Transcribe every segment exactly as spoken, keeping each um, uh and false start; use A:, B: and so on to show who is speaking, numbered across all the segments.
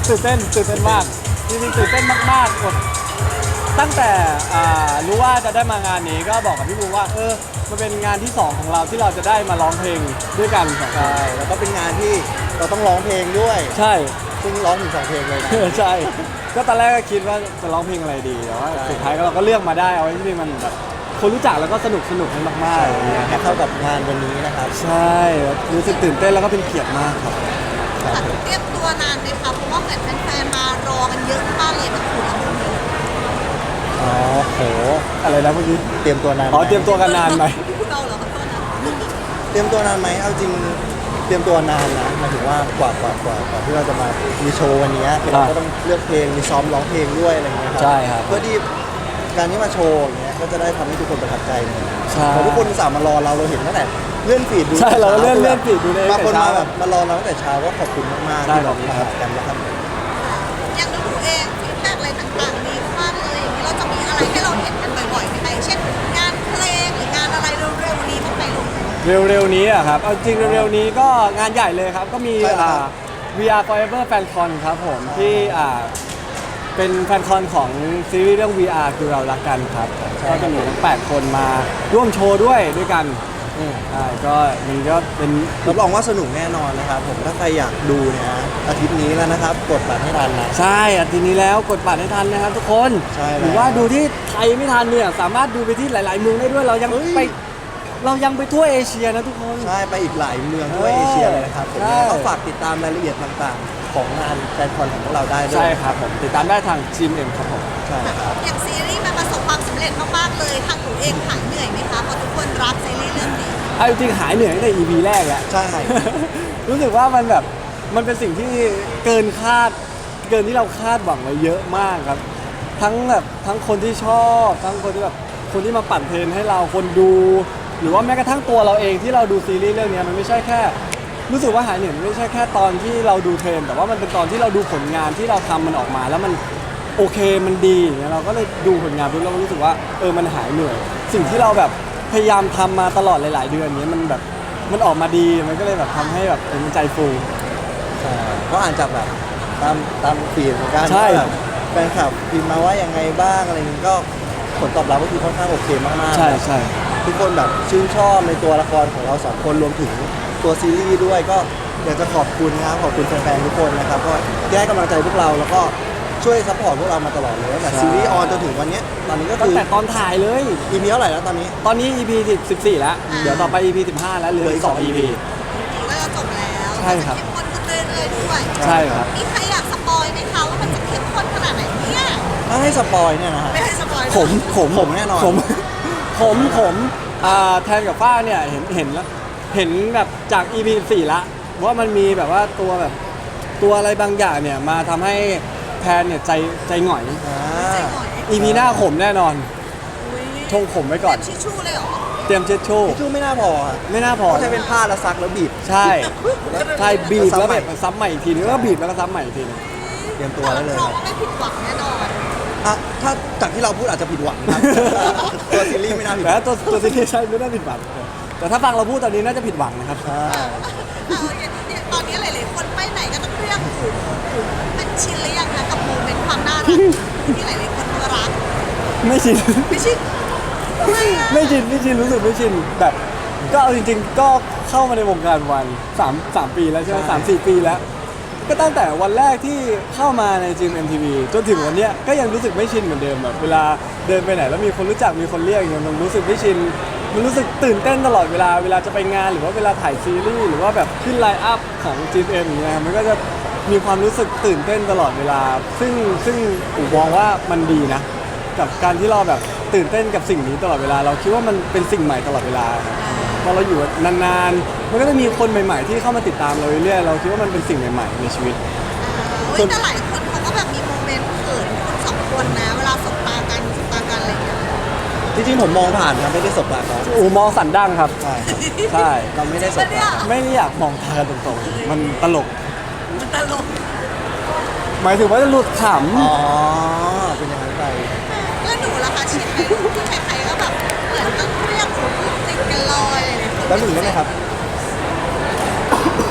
A: ตื่นเต้นตื่นเต้นมากจริงๆตื่นเต้นมากๆกดตั้งแต่รู้ว่าจะได้มางานนี้ก็บอกกับพี่บูว่าเออมันเป็นงานที่สองของเราที่เราจะได้มาร้องเพลงด้วยกัน
B: ใช่แล้วก็เป็นงานที่เราต้องร้องเพลงด้วย
A: ใช่
B: ซึ่งร้องถึงสองเพลงเลยนะ
A: ใช่ก็ตอนแรกก็คิดว่าจะร้องเพลงอะไรดีแต่ว่าสุดท้ายเราก็เลือกมาได้เอาไว้ที่มันแบบคนรู้จักแล้วก็สนุกสนุกมากมาก
B: ๆให้เข้ากับงานวันนี้นะครับ
A: ใช่รู้สึกตื่นเต้นแล้วก็เป็นเกียรติมากครับ
C: เตรียมตัวนานไหมคะเพราะว่าเหมือนแฟนๆมารอกันเยอะมากเลยทั้งคู่ทั้งคู่
B: อ๋อโห
A: อะไรนะเมื่อกี้
B: เตรียมตัวนาน
A: อ๋อเตรียมตัวกันนานไหม
C: เราเหรอครับตัวนั้น
B: เตรียมตัวนานไหมเอาจริงเตรียมตัวนานนะหมายถึงว่ากว่ากว่ากว่ากว่าที่เราจะมามีโชว์วันนี้เราก็ต้องเลือกเพลงมีซ้อมร้องเพลงด้วยอะไรอย่างเงี้ยครับ
A: ใช่ครับ
B: เพื่อที่การที่มาโชว์อย่างเงี้ยก็จะได้ทำให้ทุกคนประทับใจ
A: ใช่
B: เพราะทุกคนสามารถมารอเราเราเห็นตั้งแต่เลื่อนฟีดดู
A: ใช่เราเลื่อนเลื่อนฟีดดูใน
B: บางคนมาแบบมารอเราตั้งแต่เช้าก็ขอบคุณมากๆที่เรามากันนะครับ
C: อย่างดูเองฟีดแบ็กอะไรต่างๆดีมากเลยอย่างนี้เราจะมีอะไรให้เราเห็นกันบ่อยๆไหมเช่นงานเพลงหรืองานอะไรเร็วๆนี้บ้างไหมลูก
A: เร็วๆนี้อะครับเอาจริงเร็วๆนี้ก็งานใหญ่เลยครับก็มีอ่า วี อาร์ Forever Fan Con ครับผมที่อ่าเป็นแฟนคอนของซีรีส์เรื่อง วี อาร์ คือเรารักกันครับก็จะมีทั้งแปดคนมาร่วมโชว์ด้วยด้วยกันใช่ก็มันก็เป็น
B: รับรองว่าสนุกแน่นอนนะครับผมถ้าใครอยากดูเนี่ยอาทิตย์นี้แล้วนะครับกดบัตรให้ทันนะ
A: ใช่อาทิตย์นี้แล้วกดบัตรให้ทันนะครับทุกคนหรือว่าดูที่ไทยไม่ทันเนี่ยสามารถดูไปที่หลายๆเมืองได้ด้วยเรายังไปเรายังไปทั่วเอเชียนะทุกคน
B: ใช่ไปอีกหลายเมืองทั่วเอเชียเลยนะครับผมก็ฝากติดตามรายละเอียดต่างๆของงานแฟนคอนของพวกเราได้ด้วย
A: ใช่ครับผมติดตามได้ทาง จี เอ็ม ครับผม
B: ใช่ครับ
C: อย่างซีรีส์มันประสบความสำเร็จมากๆเลยทางหนูเองหายเหนื่อยไหมคะเพราะทุกคนรักซีรีส์เรื่องนี้
A: เอาจริงหายเหนื่อยตั้งแต่ อี พี แรกแล้ว
B: ใช่
A: รู้สึกว่ามันแบบมันเป็นสิ่งที่เกินคาดเกินที่เราคาดหวังไว้เยอะมากครับทั้งแบบทั้งคนที่ชอบทั้งคนที่แบบคนที่มาปั่นเทรนให้เราคนดูหรือว่าแม้กระทั่งตัวเราเองที่เราดูซีรีส์เรื่องนี้มันไม่ใช่แค่รู้สึกว่าหายเหนื่อยไม่ใช่แค่ตอนที่เราดูเทรนแต่ว่ามันเป็นตอนที่เราดูผลงานที่เราทำมันออกมาแล้วมันโอเคมันดีอย่างเงี้ยเราก็เลยดูผลงานปุ๊บเรารู้สึกว่าเออมันหายเหนื่อยสิ่งที่เราแบบพยายามทำมาตลอดหลายๆเดือนนี้มันแบบมันออกมาดีมันก็เลยแบบทำให้แบบเป็นใจฟู
B: ใช่ก็อ่านจากแบบตามตามฟีดเหมือนกัน
A: ใช่
B: แฟนคลับพิมพ์มาว่ายังไงบ้างอะไรนี้ก็ผลตอบรับก็คือค่อนข้างโอเคมากๆ
A: ใช่ใช่
B: ทุกคนแบบชื่นชอบในตัวละครของเราสองคนรวมถึงตัวซีรีส์ด้วยก็อยากจะขอบคุณนะครับขอบคุณแฟนๆทุกคนนะครับก็ที่ให้กำลังใจพวกเราแล้วก็ช่วยซัพพอร์ตพวกเรามาตลอดเลยตั้งแต่ซีรีส์ออนจนถึงวันนี้ตอนนี้ก็คือ
A: ตั้งแต่ตอนถ่ายเลย
B: อี พี เท่าไหร่แล้วตอนนี้
A: ตอนนี้ อี พี สิบสี่แล้วเดี๋ยวต่อไป อี พี สิบห้าแล้วเหลืออีกสอง อี พี
C: ก็จะจบแล้ว
A: ใช่ครับ
C: เข้มข้นขึ้นเรื่อยๆด้วย
A: ใช่ครับ
C: มีใครอยากสปอยไหมคะว่ามันจะเข้มข้นขนาดไหนเนี่ย
B: ถ้าให้สปอยเนี่ยนะฮะ
C: ไม่ให้สปอย
A: ผมผม
B: ผมแน่นอน
A: ผมผมผมแทนกับฝ้าเนี่ยเห็นเห็นแล้วเห็นแบบจาก อี พี สี่ละว่ามันมีแบบว่าตัวแบบตัวอะไรบางอย่างเนี่ยมาทำให้แทนเนี่ยใจใจหง่อย อี พี หน้าขมแน่นอนชงขมไว้ก่อน
C: ทิชชู่เลยเหรอ
A: เตรียมเช็ดชู่
B: ทิชชู่ไม่น่าพอ
A: ไม่น่าพอ
B: ต้องใช้เป็นผ้าแล้วซักแล้วบีบ
A: ใช่ใช่บีบแล้วแบบซ้ำใหม่อีกทีนึงก็บีบแล้วก็ซ้ำใหม่อีกทีนึง
B: เตรียมตัวได้เลย
C: เราไม่ผิดหวังแน่นอน
B: อ่ะถ้าจากที่เราพูดอาจจะผิดหวังครับตัวซีรีส์ไม่น่าผิด
A: แต่ตัวตัวซีรีส์ใช่ไม่น่าผิดหวังแต่ถ้าฟังเราพูดตอนนี้น่าจะผิดหวังนะครับ
B: ใช่
C: ตอนนี้หลายๆคนไปไหนก็ต้องเรียกหูเป็นชินหรือยังนะกับโมเมนต์ความน่ารักที่หลายๆคนรัก
A: ไม่ชิน
C: ไม่ชิน
A: ไม่ชินไม่ชินรู้สึกไม่ชินแบบก็เอาจริงๆก็เข้ามาในวงการวันสามสามปีแล้วใช่ไหมสามสี่ปีแล้วก็ตั้งแต่วันแรกที่เข้ามาในจีม เอ็ม ที วี จนถึงวันนี้ก็ยังรู้สึกไม่ชินเหมือนเดิมแบบเวลาเดินไปไหนแล้วมีคนรู้จักมีคนเรียกอย่างมันรู้สึกไม่ชินมันรู้สึกตื่นเต้นตลอดเวลาเวลาจะไปงานหรือว่าเวลาถ่ายซีรีส์หรือว่าแบบขึ้นไลน์อัพของ จี เอ็ม อย่างเงี้ยมันก็จะมีความรู้สึกตื่นเต้นตลอดเวลาซึ่งซึ่งอู๋มองว่ามันดีนะกับการที่เราแบบตื่นเต้นกับสิ่งนี้ตลอดเวลาเราคิดว่ามันเป็นสิ่งใหม่ตลอดเวลาพอเราอยู่นานๆมันก็จะมีคนใหม่ๆที่เข้ามาติดตามเราเรื่อยๆเราคิดว่ามันเป็นสิ่งใหม่ๆในชีวิต
C: ส่วนแต่หลายคนเขาก็แบบมีโมเมนต์เขินคนสองคนนะเวลาสบตากันสบตากันอะไรอย่างเงี้ย
B: จริงๆผมมองผ่านครับไม่ได้สบตาเขา
A: อูมองสันดั้งครับใช่ใช่
B: เราไม่ได้สบตา
A: ไม่ได้อยากมองตากันตรงๆมันตลก
C: มันตลก
A: หมายถึงว่าจะหลุดข
B: ำอ๋อเป็นอย่างนั้นไป
C: แล้วหนูล่ะคะชินไหมที่ใครๆก็แบบเหมือนต้องเรียกหนูติดกันลอยอะไรอย่างเงี้ย
B: แล้วหนูได้ไหมครับ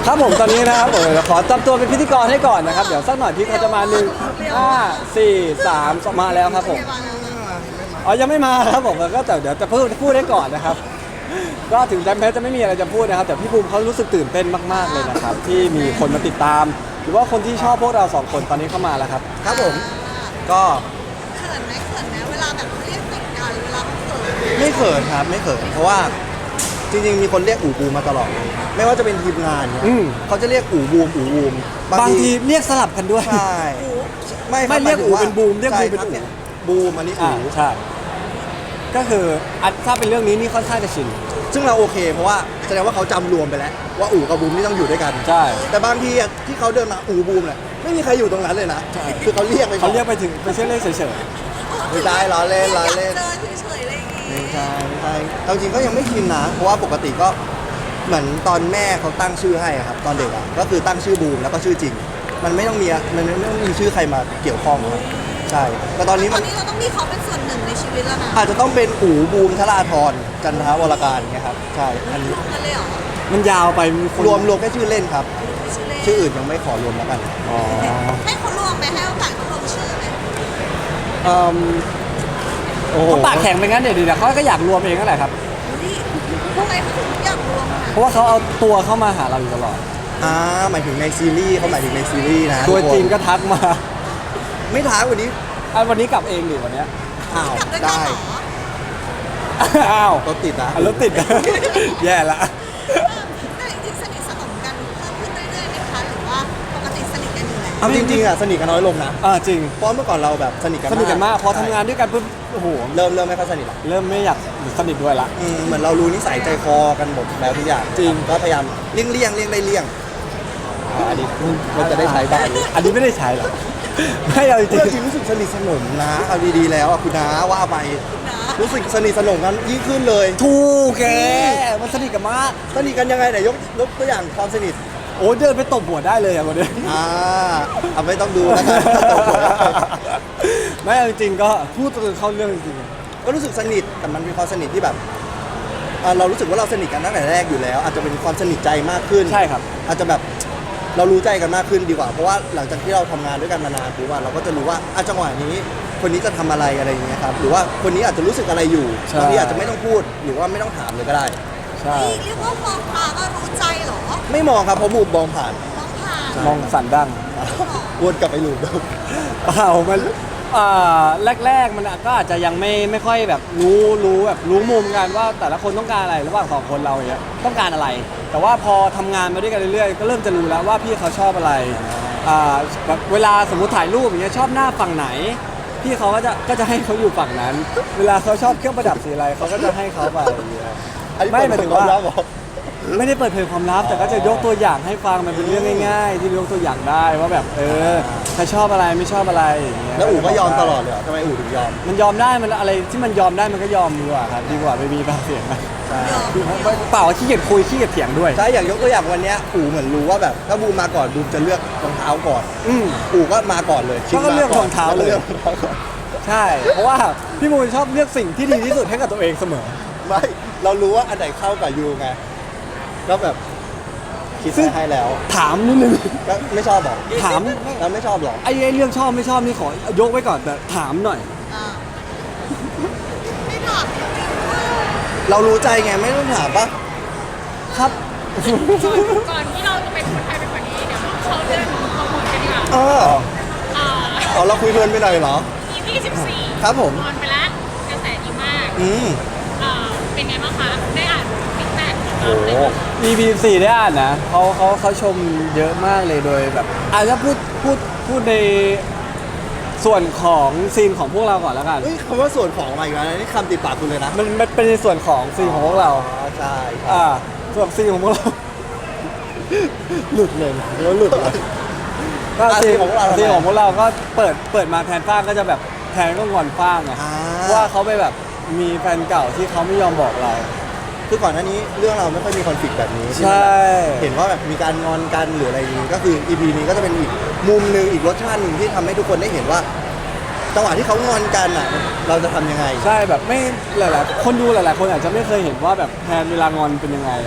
A: ครับผมตอนนี้นะครับผมเดี๋ยวขอจับตัวเป็นพิธีกรให้ก่อนนะครับ เดี๋ยวสักหน่อยพี่เขาจะมาหนึ่งห้าสี่สามมาแล้วครับผมอ๋อยังไม่มาครับผมก็แต่เดี๋ยวจะพูดพูดได้ก่อนนะครับ ก็ถึงแจมเพชรจะไม่มีอะไรจะพูดนะครับ แต่พี่ภูมิเขารู้สึกตื่นเต้นมากๆเลยนะครับ ที่มีคนมาติดตาม หรือว่าคนที่ชอบพวกเราสองคนตอนนี้เข้ามาแล้วครับ
B: ครับผมก็
C: เขินไหมเขินไหมเวลาแบบเขาเรียกติดกันเวลาเขาเขิน
B: ไม่เขินครับไม่เขินเพราะว่าจริงๆมีคนเรียกอู่บูมมาตลอดเลยไม่ว่าจะเป็นทีมงานเนี่ย
A: อืม
B: เขาจะเรียกอู่บูมอู่บูม
A: บางทีเรียกสลับกันด้วย
B: ใช่ไม่คบ
A: ไม่เรียกอู่เป็นบูมเรียกบูมเป็น
B: ใช่ค
A: อู่
B: บบูมอันนี้
A: อ่า
B: อู่
A: ใช่ก็คืออันถ้าเป็นเรื่องนี้นี่ค่อนข้างจะชิน
B: ซึ่งเราโอเคเพราะว่าแสดงว่าเขาจำรวมไปแล้วว่าอู่กับบูมนี่ต้องอยู่ด้วยกัน
A: ใช่
B: แต่บางทีอะที่เขาเดินมาอู่บูมเนี่ยไม่มีใครอยู่ตรงนั้นเลยนะ
A: ใช่
B: คือเขาเรียกไป
A: เขาเรียกไปถึงไปเชื่อเล่นเฉย
B: ไม่ได้ล้อเล่นล้อเล่น
C: อยากเจอเฉยๆอะไรอย่างงี้
B: ไม่ใช่ไม่ใช่เอาจริงก็ยังไม่ชินนะ เพราะว่าปกติก็เหมือนตอนแม่เขาตั้งชื่อให้อะครับตอนเด็กอะก็คือตั้งชื่อบูมแล้วก็ชื่อจริง มันไม่ต้องมีมันไม่ต้องมีชื่อใครมาเกี่ยวข้องครับใช่แต่ตอนนี้
C: ต
B: มั
C: อน นนี้เราต้องมีเขาเป็นส่วนหนึ่งในชีวิตแล้วนะ
B: อาจจะต้องเป็นอู๋บูมธราธรจันทวรการเงี้ยครับใช่อันนี้
C: รวมกันเลยเหรอ
A: ๆมันยาวไปมีคน
B: รวมรวมแค่ชื่อเล่นครับ
C: ชื่อเล่น
B: ชื่ออื่นยังไม่ขอรวมแล้วกัน
A: อ๋อ
C: ให้เขารวมไหมให้โอกาสเขาลงชื่อไหม
A: เอิ่ม
B: โอ้โห
A: เขาปากแข็งไปงั้นเดี๋ยวดีนะเขาก็อยากรวมเองนั่นแหละครับ
C: นี่ทำไมเขาถึงอยากรวมอ่ะ
A: เพราะว่าเขาเอาตัวเข้ามาหาเราอยู่ตลอด
B: อ่าหมายถึงในซีรีส์เขาหมายถึงในซีรีส์นะ
A: ตัวจริง
B: ทุ
A: ก็ทักมา
B: ไม่ท้าวันนี้
A: อันวันนี้กลับเองดิวันเนี้ย
B: อ้าว
C: กลับด้วยกัน
B: ได้
C: เหรอ
A: อ้าว
B: รถติดนะ
A: อ่ะรถติด แย่ละ
C: แต่จริงๆสนิทสนมกันเพิ่มขึ้นเรื่อยๆไหมคะหรือว่าปกติสนิทกันอยู่แล้ว
B: เอาจริงๆอ่ะสนิทกันน้อยลงนะ
A: อ่าจริง
B: เพราะเมื่อก่อนเราแบบสนิทกัน
A: สนิทกันมากพอทำงาน
B: ใช่
A: ด้วยกันปุ๊บโอ้โห
B: เริ่มเริ่มไม่ค่อยสนิทละ
A: เริ่มไม่อยากสนิทด้วยละ
B: อืมเหมือนเรารู้นิสัยใจคอกันหมดแล้วทุกอย่าง
A: จริง
B: ก็พยายามเลี่ยงเลี่ยงเลี่ยงได้เลี่ยงอ่าอันนี้มันจะได้ใช้บ้าง
A: อันนี้ไม่ได้ใช้หรอกไม่เอาจริ
B: เรื่อง งจริงรู้สึกสนิทสนมนะเอาดีๆแล้วอ่ะคุณน้าว่าไป
C: นะ
B: รู้สึกสนิทสนมกันยิ่งขึ้นเลย
A: ถูกแกมันสนิทกันมาก
B: สนิทกันยังไงไหนยกยกตัวอย่างความสนิท
A: โอ้เดินไปตบหัวได้เลยอะวันนี้
B: อ่าเอาไม่ต้องดูแล้วกัน
A: ไม่เอาจริงๆก็พูดจนเข้าเรื่องจริง
B: ก็รู้สึกสนิทแต่มันเป็นความสนิทที่แบบอ่าเรารู้สึกว่าเราสนิทกันตั้งแต่แรกอยู่แล้ว อาจจะเป็นความสนิทใจมากขึ้น
A: ใช่ครับ
B: อาจจะแบบเรารู้ใจกันมากขึ้นดีกว่า เพราะว่าหลังจากที่เราทำงานด้วยกันมานานปุ๊บอะเราก็จะรู้ว่าอ่ะจังหวะนี้คนนี้จะทำอะไรอะไรอย่างเงี้ยครับหรือว่าคนนี้อาจจะรู้สึกอะไรอยู่บางทีอาจจะไม่ต้องพูดหรือว่าไม่ต้องถามเลยก็ได้
A: ใช่
C: นี่เรียกว่ามองตาก็รู้ใจเหรอ
B: ไม่มองครับเพราะมุมมองผ่าน
C: มองผ่าน
A: มองสันดัง
B: วนกลับไปหลุมเดิม
A: เปล่ามันอ่าแรกๆมันก็อาจจะยังไม่ไม่ค่อยแบบรู้รู้แบบรู้มุมกันว่าแต่ละคนต้องการอะไรระหว่างสองคนเราอย่างเงี้ยต้องการอะไร แต่ว่าพอทำงานมาด้วยกันเรื่อยๆก็เริ่มจะรู้แล้วว่าพี่เขาชอบอะไรอ่าแบบเวลาสมมุติถ่ายรูปอย่างเงี้ยชอบหน้าฝั่งไหน พี่เขาก็จะก็จะให้เขาอยู่ฝั่งนั้น เวลาเขาชอบเครื่องประดับสีอะไรเขาก็จะให้เขาไปอย่างเงี้ย
B: อันนี้
A: ไม่
B: เปิด
A: หมายถึง
B: ควา
A: ว่า
B: มลับเหรอ
A: ไม่ได้เปิดเผยความลับแต่ก็จะยกตัวอย่างให้ฟังมันเป็นเรื่องง่าย ๆ ที่ยกตัวอย่างได้ว่าแบบเออถ้าชอบอะไรไม่ชอบอะไรอย่างเงี้ย
B: แล้วอู๋ก็ยอมตลอดเลยเหรอทำไมอู๋ถึงยอม
A: มันยอมได้มันอะไรที่มันยอมได้มันก็ยอมดีกว่าครับดีกว่าไม่มีปากเสียงนะ
B: ใช่
A: เปล่าขี้เกียจคุยขี้เกียจเถียงด้วย
B: ใช่อย่างยกตัวอย่างวันเนี้ยอู๋เหมือนรู้ว่าแบบถ้าบูมมาก่อนบูมจะเลือกรองเท้าก่อน
A: อืม
B: อู๋ก็มาก่อนเลย
A: เขาก็เลือกรองเท้าเลย
B: เลือกรองเท้าก่อน
A: ใช่ เพราะว่าพี่มูลชอบเลือกสิ่งที่ดีที่สุดให้กับตัวเองเสมอ
B: ไม่เรารู้ว่าอันไหนเข้ากับยูไงก็แบบคิด
A: ซึ่ง
B: ไว้ให้แล้ว
A: ถามนิดนึง
B: ก็ไม่ชอบบอก
A: ถาม
B: เราไม่ชอบหรอก
A: ไอ้ไอ้เรื่องชอบไม่ชอบนี่ขอยกไว้ก่อนแต่ถามหน่อย
C: อ่าไม่ถามจริงๆว่า
B: เรารู้ใจไงไม่ต้องถามปะ
A: ครับ
D: ก่อนที่เราจะไปพูดไทยเป็นกว่านี้เดี๋ยวเราเข้าเรื่องโปรโมทกันดีกว่า
B: เออ
D: อ่า
B: อ๋อเราคุยเพลินไปหน่อยเหรอ
D: อี พี สิบสี่
B: ครับผม
D: ออนไปแล้วกระแสดีมาก
B: อืม
D: อ่าเป็นไงบ้างคะ ได้อ่านฟีดแบ็ก
B: โอ้โห
A: อี พี สี่ได้อ่านนะเขาเขาเขาชมเยอะมากเลยโดยแบบอาจจะพูดพูดพูดในส่วนของซีนของพวกเราก่อนแล้วกัน
B: เฮ้ยคำว่าส่วนของมาอีกแล้วนะนี่คำติดปากคุณเลยนะ
A: มันมันเป็นในส่วนของซีนของพวกเรา
B: อ๋อใช่
A: อ่าส่วนซีนของพวกเรา หลุดเลยนะแล้วหลุดเลยก็
B: อ่ะ
A: ซีน
B: ซีนของพวกเรา
A: ซีนของพวกเราก็เปิดเปิดมาแทนฟ้างก็จะแบบแทนก็งอนฟ้างไง
B: อ่า
A: เพราะว่าเขาไปแบบมีแฟนเก่าที่เขาไม่ยอมบอกเรา
B: คือก่อนหน้านี้เรื่องเราไม่ค่อยมีคอนฟ lict แบบนี้ที่
A: ใช่
B: มันแบบเห็นว่าแบบมีการงอนกันหรืออะไรอย่างนี้ก็คือ อี พี นี้ก็จะเป็นอีกมุมหนึ่งอีกรสชาติหนึ่งที่ทำให้ทุกคนได้เห็นว่าจังหวะที่เขางอนกันอ่ะ เราจะทำยังไง
A: ใช่แบบไม่หลายๆคนดูหลาย ๆ คนอาจจะไม่เคยเห็นว่าแบบแทนเวลางอนเป็นยังไงอ่ะ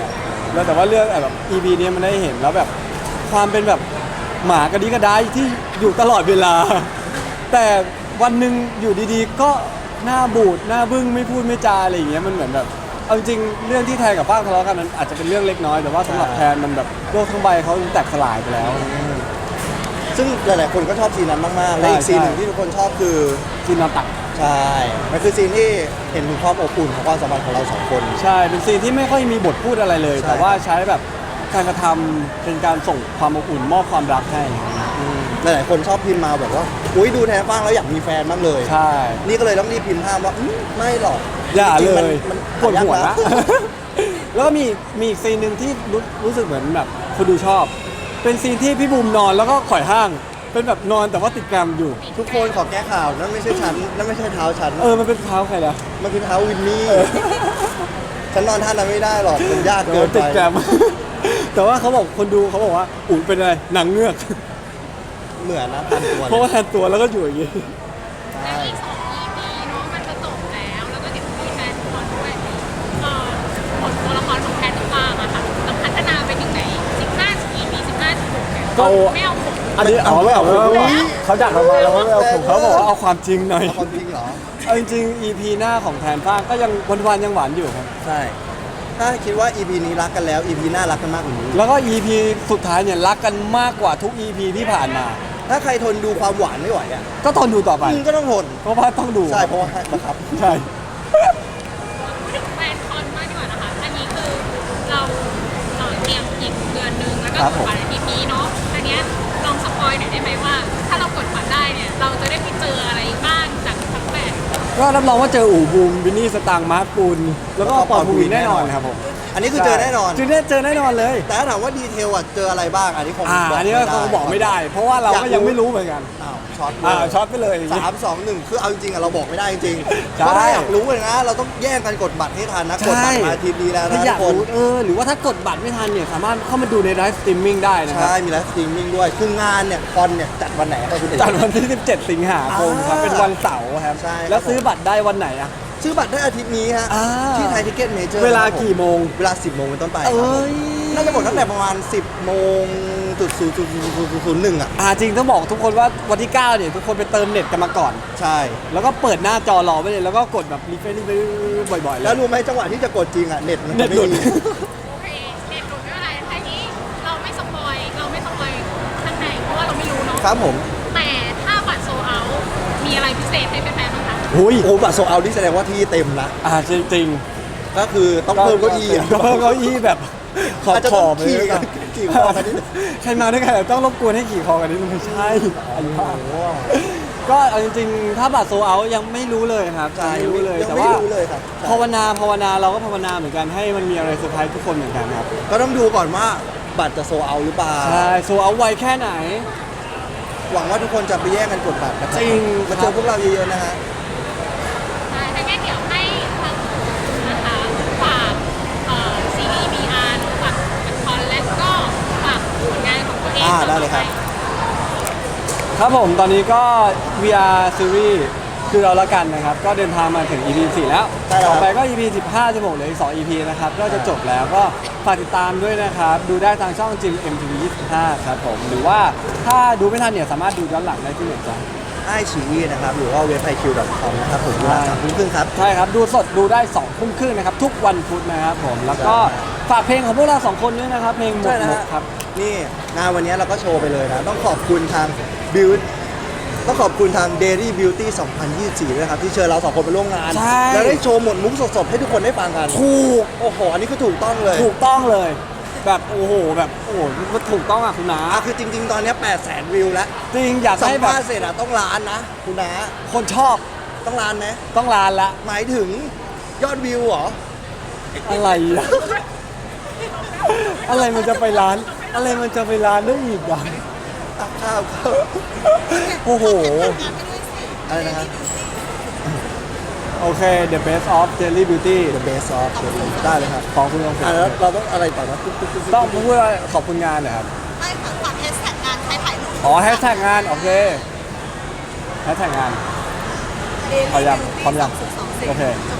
A: แล้วแต่ว่าเรื่องแบบ อี พี เนี้ยมันได้เห็นแล้วแบบความเป็นแบบหมากระดิกกระดายที่อยู่ตลอดเวลา แต่วันหนึ่งอยู่ดีๆ ก็หน้าบูดหน้าบึ้งไม่พูดไม่จาอะไรอย่างเงี้ยมันเหมือนแบบเอาจริงๆเรื่องที่แทนกับฟ้างทะเลาะกันมันอาจจะเป็นเรื่องเล็กน้อยแต่ว่าสำหรับแทนมันแบบโลกทั้งใบเขาแตกสลายไปแล้ว
B: ซึ่งหลายๆคนก็ชอบซีนนั้นมากๆและอีก
A: ใช่
B: ซีนหนึ่งที่ทุกคนชอบคือ
A: ซีนนอนตัก
B: ใช่มันคือซีนที่เห็นถึงความอบอุ่นของความสัมพันธ์ของเราสองคน
A: ใช่เป็นซีนที่ไม่ค่อยมีบทพูดอะไรเลย
B: ใช่
A: แต่ว่าใช้แบบการกระทำเป็นการส่งความอบอุ่นมอบความรักให้
B: อืมหลายๆคนชอบพิมพ์มาแบบว่าอุ้ยดูแทนฟ้างแล้วอยากมีแฟนบ้างเลย
A: ใช่
B: นี่ก็เลยต้องรีบพิมพ์ห้ามว่าอื้อไม่หรอก
A: อย่า
B: จริง
A: เล
B: ๆมัน
A: ย
B: มัน
A: ปวดหัว
B: หายาก
A: นะ แล้วก็มีมีอีกซีนหนึ่งที่รู้รู้สึกเหมือนแบบคนดูชอบ เป็นซีนที่พี่บูมนอนแล้วก็ข่อยห้าง เป็นแบบนอนแต่ว่าติดแกรมอยู่
B: ทุกคนขอแก้ข่าวนั่นไม่ใช่ฉันนั่นไม่ใช่เท้าฉัน
A: เออมันเป็นเท้าใครล่ะ
B: มันคือเท้าวินนี่ฉันนอนท่านั้นไม่ได้หรอกมันยาก
A: เอ
B: เกิ
A: อน
B: ไป
A: ติดแกรม แต่ว่าเขาบอกคนดูเขาบอกว่าอุ่นเป็นอะไรหนังเงือก
B: เหมือนนะพันตัว
A: เพราะว่าแทนตัวแล้วก็อยู่อย่างงี้
D: และอีกสอง อี พี เนาะมันจะจบแล้ว แล้วก็เดี๋ยวมีแฟนคอนด้วยเอ่อผลตัวละครของแพนกับฟางอะค่ะจะพัฒนาไปถึงไหนสิบห้า อี พี สิบห้า สิบหกเนี่ย
A: เอา
D: ไม่เอาผม
A: อันนี้เอาไม่เอาไม่เอาเขาจัดเรามาแล้วไม่เอาผมเขาบอกว่าเอาความจริงหน่อย
B: เอาความจริงเหรอ
A: เอาจริงๆ อี พี หน้าของแทนฟ้างก็ยังวันๆยังหวานอยู่ครับ
B: ใช่ ถ้าคิดว่า อี พี นี้รักกันแล้ว อี พี หน้ารักกันมากกว่านี้
A: แล้วก็ อี พี สุดท้ายเนี่ยรักกันมากกว่าทุก อี พี ที่ผ่านมา
B: ถ้าใครทนดูความหวานไม่ไหวอ่ะ
A: ก็ทนดูต่อไป
B: มึงก็ต้องทน
A: เพราะว่าต้องดู
B: ใช่เพราะว่าบังคับ
A: ใช่
D: พูดถึงแฟนคอนมากดีกว่านะคะ อันนี้คือเราเอ่อเตรียมอีกเดือนหนึงแล้วก็
B: ครับ
D: ก
B: ผ
D: ด
B: ม
D: บัตรอาทิตย์นี้เนาะ อันเนี้ยลองสปอยหน่อยได้ไหมว่า ถ้าเรากดบัตรได้เนี่ย เราจะได้ไปเจออะไรบ้างจากทั้งแปด
A: ก็รับรองว่าเจออู่บูมวินนี่สตางค์มาร์คปูนแล้วก็ปอนภูวินแน่นอนครับผม
B: อันนี้คือเจอแน่นอน
A: เจอแน่เจอแน่นอนเลย
B: แต่ถ้าถามว่าดีเทลอ่ะเจออะไรบ้าง อันนี้คง
A: อ่า
B: บอก
A: อันนี้ก็คงบอกไม่ได้ เพราะว่าเราก็ยังไม่รู้เหมือนกัน
B: อ้าวช็อตเล
A: อ่าย ช็อตไปเลยอย่างงี้
B: สามสองหนึ่งคือเอาจริงๆอะเราบอกไม่ได้จริงๆ
A: ใช่
B: เพราะถ้าอยากรู้เลยนะ เราต้องแย่งกันกดบัตรให้ทันนะ กดบัตรมาอาทีนี้แล้ว
A: ถ้า
B: นะ
A: อ
B: ทุ
A: ยาก
B: กคน
A: รู้เออหรือว่าถ้ากดบัตรไม่ทันเนี่ยสามารถเข้ามาดูในไลฟ์สตรีมมิ่งได้นะครั
B: ใช่
A: บ
B: มีไลฟ์สตรีมมิ่งด้วย คืองานเนี่ยคอนเนี่ยจัดวันไหนครับคุณเอก
A: จัดวันที่ สิบเจ็ด สิงหาคมครับ
B: อ่า
A: เป็นวันเสาร์ครับ
B: ใช่ครับ
A: แล้วซื้อบัตรได้วันไหนอะ
B: ซื้อบัตรได้อาทิตย์นี้ฮะ
A: อ่า
B: ที่ไทยทิเก็ตเมเจอร์
A: เวลากี่โมง
B: เวลา สิบโมงเป็นต้นไปค
A: เอ
B: รับผ
A: ้
B: ม
A: ย
B: น่าจะหมดตั้งแต่ประมาณ สิบโมงจุดศูนย์จุดศูนย์หนึ่งอ่ะ
A: อ่าจริงต้องบอกทุกคนว่าวันที่เก้าเนี่ยทุกคนไปเติมเน็ตกันมาก่อน
B: ใช่
A: แล้วก็เปิดหน้าจอรอไว้เลยแล้วก็กดแบบรีเฟรชรีเฟรชบ่อยๆเล
B: แล้ว
A: ย
B: รู้ไหมจังหวะที่จะกดจริงอ่ะเน็ตมัน
A: เน็
B: จะ
A: ต
B: ไม่
A: หลุด
B: มี
D: โอเคเด็ดหลุดไม่เป็นไรทีนี้เราไม่สปอย เราไม่สปอยข้างในเพราะว่าเราไม่รู้เนาะ
B: ครับผม
D: แต่ถ้าบัตรโซเอามีอะไรพิเศษให้แฟนๆบ้างคะ
A: หุย
B: โอ้บัตรโซเอาที่แสดงว่าที่เต็มนะ
A: อ่าจริงจริง
B: ก็คือต้องเพิ่มเก้าอี้อ่ะ
A: ก็เพิ่มเก้าอี้แบบขอบ
B: อาจจะ
A: ข
B: ต้
A: อ
B: อง
A: บ
B: ขี่กันขี่คอกันนิดนึง
A: ใครมาด้วยกันต้องรบกวนให้ขี่คอกันนิดนึงไม่ใช่อันนี้
B: โอ้
A: ว่า
B: โห
A: ก็เอาจริงๆ ถ้าบัตรโซเอายังไม่รู้เลยครับ
B: ใช่
A: ยังไม่รู้เลย
B: ยัง
A: แต่
B: ไม่
A: ว่า
B: รู้เลยครับใช่
A: ภาวนาภาวนาเราก็ภาวนาเหมือนกันให้มันมีอะไรเซอร์ไพรส์ทุกคนเหมือนกันครับ
B: ก็ต้องดูก่อนว่าบัตรจะโซเอาหรือเปล่า
A: ใช่โซเอาไวแค่ไหน
B: หวังว่าทุกคนจะไปแย่งกันกดบัตรนะครับ
A: จริง
B: มาเจอพวกเราเยอะๆนะฮะ
D: ใช่ถ้างั้นเดี๋ยวให้ทางนะคะฝากเอ่อซีรีส์ บี อาร์ ฝากคอนและก็ฝากผลงานของตัวเอง
B: อ่าได้เลยครับ
A: ครับผมตอนนี้ก็ วี อาร์ Series คือเราละกันนะครับ ก็เดินทางมาถึง อี พี สี่ แล้ว
B: ใช่แล้ว
A: ต่อไปก็ อี พี สิบห้า สิบหกเหลืออีกสอง อี พี นะครับ ก็จะจบแล้วก็ฝากติดตามด้วยนะครับ ดูได้ทางช่องจิม เอ็ม ที วี ยี่สิบห้า ครับผม หรือว่าถ้าดูไม่ทันเนี่ยสามารถดูย้อนหลังได้ที่ไหนจ๊ะ
B: ไอชีวีนะครับ หรือว่าเว็บไอคิวดอทคอมนะครับผมเวลาสามทุ่มครึ่งครับ
A: ใช่ครับ ดูสดดูได้สองทุ่มครึ่งนะครับ ทุกวันพุธนะครับผม แล้วก็ฝากเพลงของพวกเราสองคนด้วยนะครับ เพลงหม
B: ใช่
A: ด
B: นะ
A: หม
B: ฮะ
A: ดครับ
B: นี่งานวันนี้เราก็โชว์ไปเลยนะ ต้องขอบคุณทางบิวต้องขอบคุณทาง Daily Beauty สองพันยี่สิบสี่ด้วยครับ ที่เชิญเราสองคนไปร่วมงาน
A: ใช่
B: แล้วได้โชว์หมดมุกสดๆ ให้ทุกคนได้ฟังกัน
A: ถูก
B: โอ้โห อันนี้คือถูกต้องเลย
A: ถูกต้องเลย แบบโอ้โหแบบโอ้โหมันถูกต้องอ่ะคุณนา
B: อ่ะคือจริง ๆ ตอนนี้แปดแสนวิวแล้ว
A: จริงอยาก
B: สัม
A: ให้แบบ
B: ภาษณ์เสร็จอะต้องล้านนะ คุณน้า
A: คนชอบ
B: ต้องล้านไหม
A: ต้องลานละ
B: หมายถึงยอดวิวเหรอ
A: อะไรอ่ะ อะไรมันจะไปร้าน อะไรมันจะไปร้านได้อีกอ่ะ
B: อ่ะข้าวข้าว
A: โอ้โห
C: งานไปด้วยสิ
B: อะไรนะครับ
A: โอเค The Best of Jelly Beauty
B: The best of ได้เลยครับ
A: ของคุณลองเสร็จ
B: อ่ะแล้วเราต้องอะไรต่อนะตุ๊กตุ๊กตุ๊กตุ๊ก
A: ต้องพูดว่าขอบคุณงานเหรอครับ
C: ไม่ค่ะฝากแฮชแท็กงานใครถ่ายรูป
A: อ๋อแฮชแท็กงาน โอเคแฮชแท็กงาน พร้อมยังพร้อมยัง โอเค ก็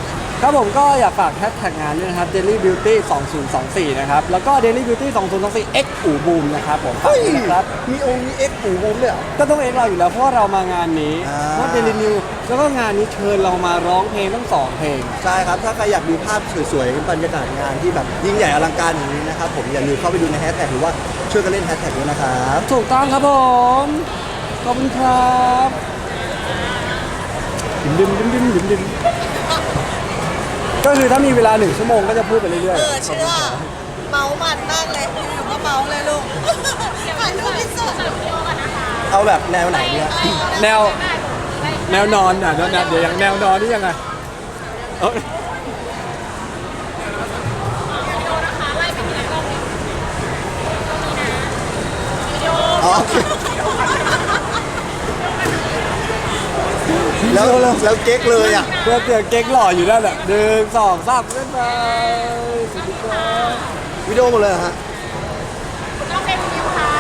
A: ครับผมก็อยากฝากแฮชแท็กงานด้วยนะครับ Daily Beauty สองพันยี่สิบสี่นะครับแล้วก็ Daily Beauty สองพันยี่สิบสี่ X อู่บูมนะครับผมฝาก
B: เฮ้ย
A: ด้วยนะครับ
B: มีองค์มีเอ็กซ์ปูบูมด้วยเหรอ
A: ก็ต้องเอ็กเราอยู่แล้วเพราะว่าเรามางานนี้
B: อ่า
A: เพราะเดลินิวแล้วก็งานนี้เชิญเรามาร้องเพลงทั้งสองเพลง
B: ใช่ครับ ถ้าใครอยากดูภาพสวยๆบรรยากาศงานที่แบบยิ่งใหญ่อลังการอย่างนี้นะครับผมอย่าลืมเข้าไปดูในแฮชแท็กหรือว่าช่วยกันเล่นแฮชแท็กด้วยนะครับ
A: ถูกต้องครับผมขอบคุณครับดิมดิมดิมดิมดิมดิมก็คือถ้ามีเวลาหนึ่งชั่วโมงก็จะพูดไปเรื่อย
C: เออเชื่อเมามันมากเลยอยู่ๆก็เมาเลยลูกถ่ายรูปพิเศษ
B: เอาแบบแนวไหนเนี่ย
A: ๆ แนวแนวนอนอ่ะแนวเดี๋ยวอย่างแนวนอนนี่ยังไงเอ้ย
B: อ๋อโอเคแล้วแล้วเก๊กเลยอ่ะ
A: เพื่อเตือนเก๊กหล่ออยู่นั่นแหละหนึ่งสองสามเล่นไปสวัสดีครับ
B: วิดีโอหมดเลยเหรอฮะ
D: ต้องเป็นวิวค่ะ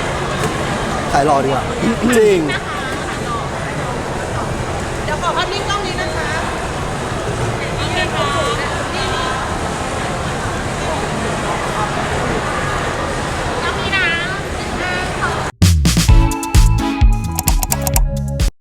B: ขายรอดีกว่า
A: จริง
C: เดี๋ยวขอภาพนิ่งก่อน